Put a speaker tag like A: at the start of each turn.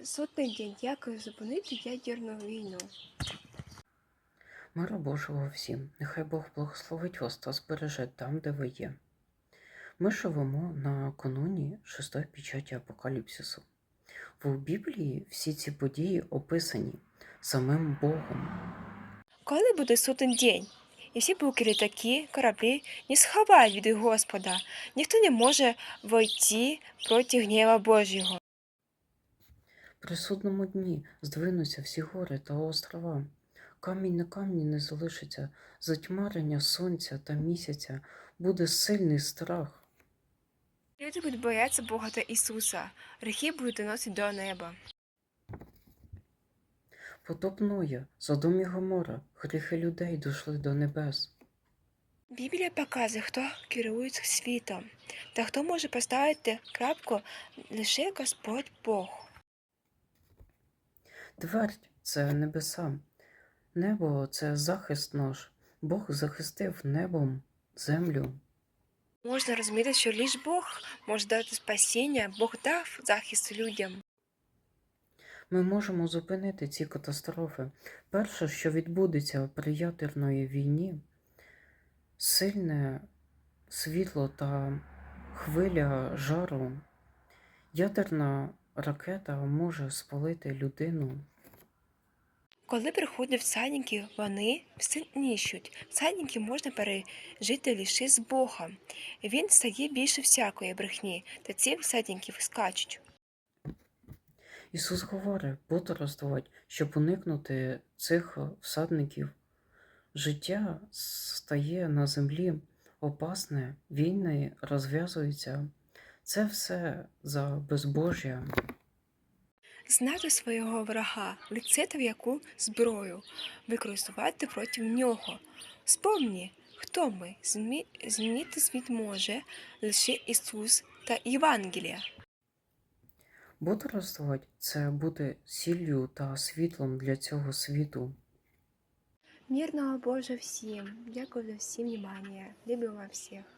A: Сотий день. Як зупинити ядерну війну?
B: Мира Божого всім, нехай Бог благословить вас та збереже там, де ви є. Ми живемо на кануні шостої печаті Апокаліпсису. В Біблії всі ці події описані самим Богом.
A: Коли буде сотий день? І всі буки, літаки, кораблі не сховають від Господа. Ніхто не може войти проти гнєва Божого.
B: При судному дні здвинуться всі гори та острова. Камінь на камні не залишиться, затьмарення сонця та місяця, буде сильний страх.
A: Люди будуть боятися Бога та Ісуса. Гріхи будуть доносити до неба.
B: Потоп Ноя, Содом і Гомора, гріхи людей дійшли до небес.
A: Біблія показує, хто керує світом, та хто може поставити крапку лише Господь Бог.
B: Твердь – це небеса. Небо – це захист наш. Бог захистив небом землю.
A: Можна розуміти, що лише Бог може дати спасіння, Бог дав захист людям.
B: Ми можемо зупинити ці катастрофи. Перше, що відбудеться при ядерної війні – сильне світло та хвиля жару. Ядерна ракета може спалити людину.
A: Коли приходять всадники, вони все нищуть. Всадники можна пережити лише з Богом. Він стає більше всякої брехні, та ці всадники скачуть.
B: Ісус говорить, бодрствувати, щоб уникнути цих всадників. Життя стає на землі опасне, війни розв'язуються. Це все за безбожжя.
A: Знати свого ворога, лицето в яку зброю використовувати проти нього. Спомні, хто ми. Змінити світ може лише Ісус та Євангелія.
B: Бодрствувати – це бути сіллю та світлом для цього світу.
A: Мирного Божа всім. Дякую за всім внимание. Люблю вас всіх.